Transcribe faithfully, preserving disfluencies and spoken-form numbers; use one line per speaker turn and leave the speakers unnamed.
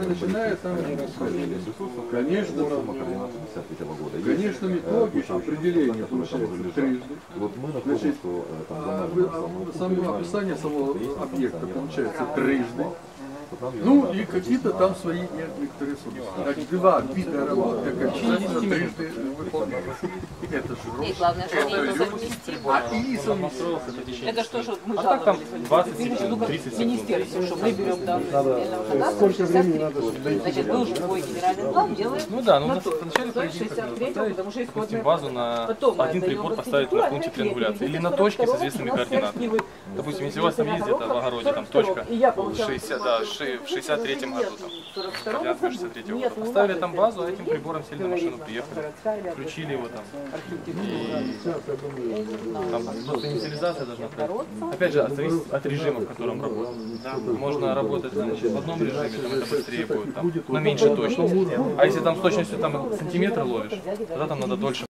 наверное, начиная там, конечно, конечно, методики определения получается трижды. Значит, само описание самого объекта получается трижды. Ну и какие-то там свои некоторые сложности. Значит, два вида работ, как очистка, трижды выполняются. Это же
И главное, что это совместимо.
А и совместимо.
Это что, что мы
А так там двадцать
тридцать министерств, что мы берем данные земельного кадастра,
Сколько времени надо?
значит, мы уже твой генеральный план делаем.
Ну да, ну
на
на
то.
вначале
То
по
есть
идее
шестьдесят третьего,
поставить,
потому что
допустим,
исходная
базу на
Потом мы
один
отдаем
прибор
в
поставить на пункте
архитектуру,
триангуляции или на
а
точке с
второго
известными
у нас
координатами.
сверхнивы.
Допустим, если у вас там ездит это в огороде, там точка
И я получала
шестьдесят, да, ши- в шестьдесят третьем году, там,
сорок второго
координаты шестьдесят третьего года. Поставили там базу, а этим прибором сели на машину, приехали, включили его там. И там просто инициализация должна пройти. Опять же, зависит от режима, в котором работает. Можно работать значит, в одном режиме, там это быстрее будет, там, но меньше точности. А если там с точностью там, сантиметра ловишь, тогда там надо дольше.